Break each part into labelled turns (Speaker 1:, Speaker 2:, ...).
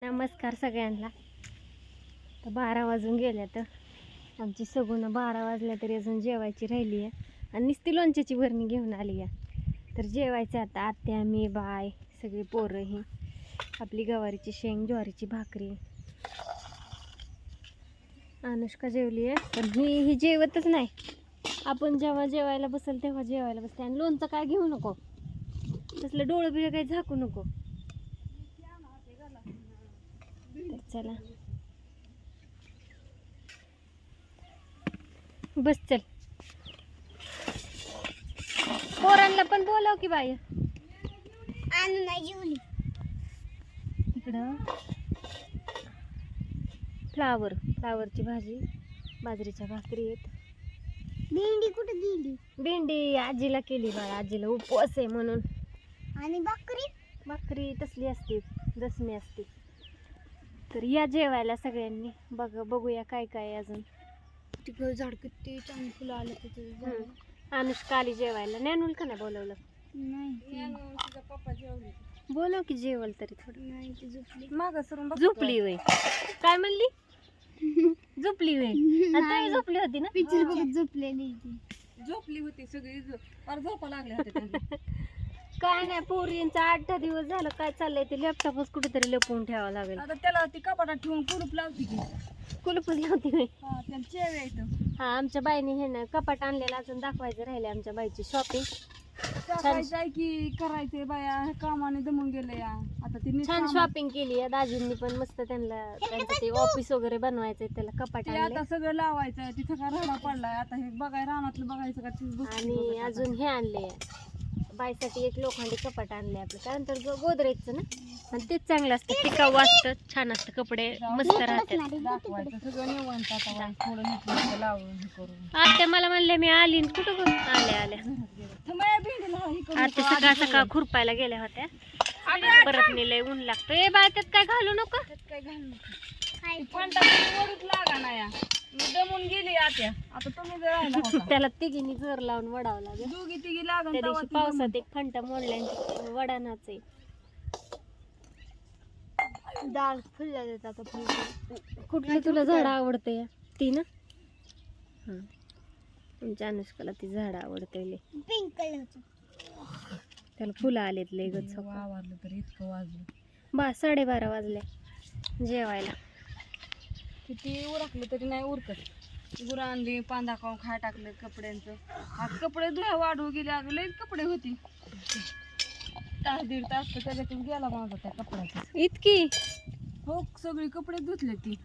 Speaker 1: नमस्कार सगळ्यांना. तर 12 वाजून गेल्या तर आमची सगुणं 12 वाजल्या तरी अजून जेवायची राहिली आहे आणि नुसती लोणच्याची भरणी घेऊन आली आहे. तर जेवायचं आता आत्या मी बाय सगळी पोरं ही आपली गवारीची शेंग ज्वारीची भाकरी. अनुष्का जेवली आहे पण ही जेवतच नाही. आपण जेव्हा जेवायला बसेल तेव्हा जेवायला बसते. आणि लोणचं काय घेऊ नको, तसलं डोळं बिळं काही झाकू नको. चला बस चल. पोरांना पण बोलाव की बाई. इकडं फ्लावरची भाजी बाजरीच्या भाकरी आहेत.
Speaker 2: भेंडी कुठे गेली?
Speaker 1: भेंडी आजीला केली बाळा, आजीला उपवास आहे म्हणून.
Speaker 2: आणि
Speaker 1: भाकरी तसली असते दसमी असते. तर या जेवायला सगळ्यांनी. बघूया काय काय अजून.
Speaker 2: तिकडे झाड किती चांगली फुलं आले तिथे.
Speaker 1: अनुष्का आली जेवायला. नॅनूल का नाही बोलवलं?
Speaker 2: नाही, पप्पा जेवले.
Speaker 1: बोलव की जेवल तरी थोडं.
Speaker 2: नाही ती झोपली. मागं सरून
Speaker 1: झोपली वय. काय म्हणली? झोपली वय. आता झोपली होती ना?
Speaker 2: पिक्चर बघत झोपलेली ती.
Speaker 3: झोपली होती सगळी झोपा लागल्या होत्या.
Speaker 1: काय नाही पोरींचा 8 दिवस झालं काय चाललंय ते लॅपटॉपच कुठेतरी लपवून ठेवावं लागेल.
Speaker 3: आता त्याला ती कपाटात ठेवून कुलूप लावते की.
Speaker 1: कुलपच लावती होय.
Speaker 3: हा त्याला चेव येतं.
Speaker 1: हा आमच्या बाईने हे ना कपाट आणलेलं अजून दाखवायचं राहिले. आमच्या बाईची शॉपिंग
Speaker 3: टाकायचं आहे की करायचंय बाया कामाने दमून गेले या. आता ती
Speaker 1: छान शॉपिंग केली आहे दाजींनी पण मस्त. त्यांचं ते ऑफिस वगैरे बनवायचंय त्याला कपाट आणलंय.
Speaker 3: आता सगळं लावायचं तिथं का राडा पडलाय. आता हे बघाय रानातलं बघायचं का तीच गोष्ट
Speaker 1: आणि
Speaker 3: बघायचं.
Speaker 1: अजून हे आणले बाईसाठी एक लोखंडी कपाट आणले आपलं. त्यानंतर गोदरेजचं ना, आणि तेच चांगलं असतं, टिकाऊ असतं, छान असतं, कपडे मस्त राहतात.
Speaker 3: दाखवायचं सगळं निवांत आता बाई. थोडं नीट लावून हे करून.
Speaker 1: आता मला म्हणले मी आली न कुठं गं? आल्या
Speaker 3: थांबा भेंडीला हे करून
Speaker 1: आता सकाळ खुरपायला गेल्या होत्या. परत नेलंय ऊन लागतं. ए बाय त्यात काय घालू नको.
Speaker 3: काय घालू पण वडूच लागा ना या. मी दमून गेली आत्या. आता तुम्ही जर राहिला होता.
Speaker 1: त्याला तिघींनी जोर लावून वडावं लागेल.
Speaker 3: दोघी तिघी लागन
Speaker 1: त्या
Speaker 3: तेव्हा
Speaker 1: दिवशी पावसात एक फंटा मोडल्या वडानाच आहे.
Speaker 2: डाळ फुलल्या देतात आता.
Speaker 1: कुठलं तुला झाड आवडतंय? ती ना तुमच्या अनुष्काला ती झाड आवडतंय लय.
Speaker 2: पिंक कलरचं.
Speaker 1: त्याला फुलं आलेत लय गच्च.
Speaker 3: वावरलं तर इतकं वाजलं.
Speaker 1: 12:30 वाजले जेवायला.
Speaker 3: किती उरकलं तरी नाही उरकत. गुरं आणली पांदा खाऊन खाय टाकले कपड्यांचं. आज कपडे धुया वाढू गेले. अगं लई कपडे होती. तास दीड तास तर त्याच्यातून गेला माझा त्या कपड्याचा.
Speaker 1: इतकी
Speaker 3: हो सगळी कपडे धुतले ती.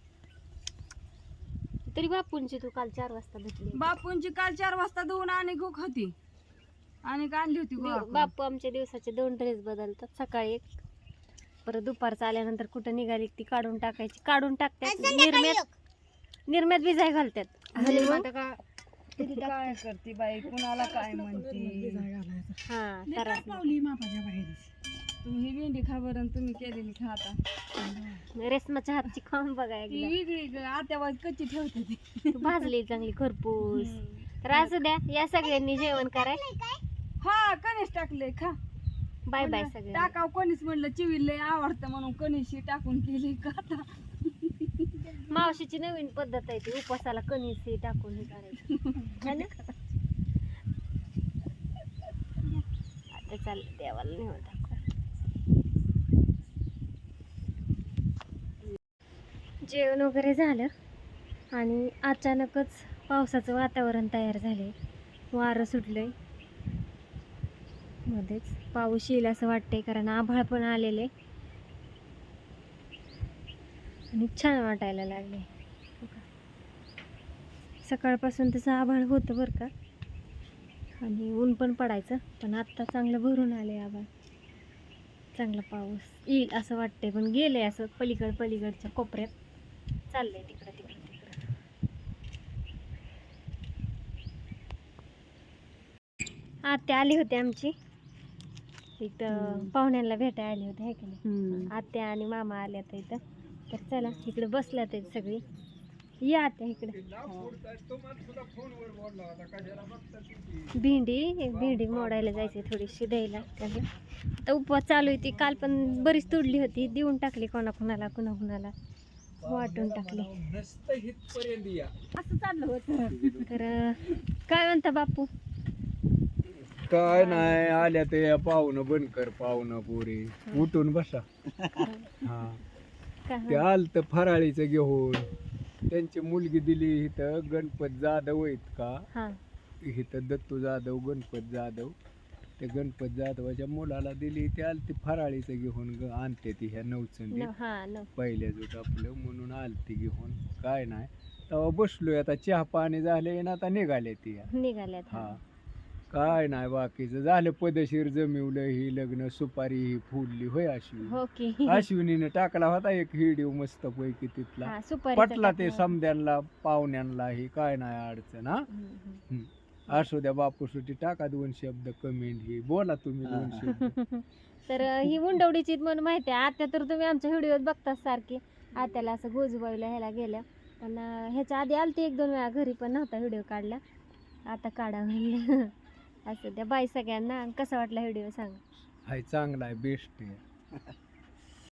Speaker 1: तरी बापूंची तू काल 4 वाजता धुतली.
Speaker 3: बापूंची काल 4 वाजता धुवून आणि गुक होती आणि आणली होती गोळा.
Speaker 1: बापू आमच्या दिवसाचे 2 ड्रेस बदलतात. सकाळी एक, परत दुपारचं आल्यानंतर कुठं निघाली ती काढून टाकायची. काढून टाकतात निर्म्यात भिजाय घालतात. आणि मग
Speaker 3: काय करते बाई कुणाला काय म्हणते.
Speaker 1: हा तर
Speaker 3: तुम्ही ही भेंडी खा बरं. तुम्ही केलेली खा आता.
Speaker 1: रेशमाच्या हातची खाऊन बघा
Speaker 3: ती
Speaker 1: एकदा.
Speaker 3: वेगळी आत्यावाज कच्ची ठेवते ती.
Speaker 1: तू भाजली चांगली खरपूस. तर असू द्या या सगळ्यांनी जेवण कराय.
Speaker 3: हा कणीस टाकले खा.
Speaker 1: बाय बाय सगळे.
Speaker 3: टाकाव कणीस म्हणलं चिवीला आवडतं म्हणून कणीशी टाकून केली का आता.
Speaker 1: मावशीची नवीन पद्धत आहे ती उपासाला कणीस हे टाकून हे करायचं. है ना? आता चाललं देवाला नेऊन टाकू. जेवण वगैरे झालं आणि अचानकच पावसाचं वातावरण तयार झाले. वारं सुटलंय मध्येच. पाऊस येईल असं वाटतंय कारण आभाळ पण आलेले आणि छान वाटायला लागले. सकाळपासून तसं आभाळ होतं बरं का आणि ऊन पण पडायचं. पण आत्ता चांगलं भरून आले आभाळ. चांगला पाऊस येईल असं वाटतंय पण गेले असं पलीकडच्या कोपऱ्यात चाललंय तिकडं. आत्या आली होती आमची इथं पाहुण्यांना भेटायला आली होती. हे की नाही आत्या आणि मामा आल्या तर इथं. तर चला इकडे बसल्यात सगळी. या आता इकडे भेंडी मोडायला जायची थोडीशी द्यायला त्याला. आता उपवास चालू आहे ती काल पण बरीच तुडली होती, देऊन टाकली कोणाकोणाला कुणाकुणाला वाटून टाकली. असं चाललं होतं. तर काय म्हणता बापू?
Speaker 4: काय नाही आल्या ते पाहुणं बंद कर, पाहुणं पोरी उठून बसा. हा ते
Speaker 1: काय
Speaker 4: आलत फराळीचं घेऊन, त्यांची मुलगी दिली इथं गणपत जाधव आहेत का,
Speaker 1: हा
Speaker 4: इथं दत्तू जाधव गणपत जाधव, ते गणपत जाधवाच्या मुलाला दिली. ते आलती फराळीचं घेऊन आणते ती ह्या नवचंदी पहिल्या जुट आपलं म्हणून आलती घेऊन. काय नाही तेव्हा बसलोय, आता चहा पाणी झाले ना आता निघाले ती.
Speaker 1: निघाल्यात.
Speaker 4: हा काय नाही बाकीचं झालं, पदशीर जमिवलं, ही लग्न सुपारी ही फुलली होय अश्विनी.
Speaker 1: हो की
Speaker 4: अश्विनीने टाकला होता एक व्हिडिओ मस्त पैकी तिथला,
Speaker 1: हा, सुपारीचा
Speaker 4: पटला ते
Speaker 1: टाकला.
Speaker 4: समद्यांना पाहुण्यांना ही काय नाही अडचण. हा असू द्या बापू सुटी टाका 2 शब्द कमेंट, ही बोला तुम्ही 2 शब्द.
Speaker 1: तर ही मुंडवडीची म्हणून माहिती आहे. आता तर तुम्ही आमच्या व्हिडिओत बघताच सारखी, आत्याला असं गोजूबाईला ह्याला गेल्या, पण ह्याच्या आधी आलती 1-2 वेळा घरी, पण नव्हता व्हिडिओ काढला, आता काढा म्हणलं. असं द्या बाय सगळ्यांना. कसा वाटला व्हिडिओ सांगा.
Speaker 4: हाय चांगला आहे, बेस्ट आहे.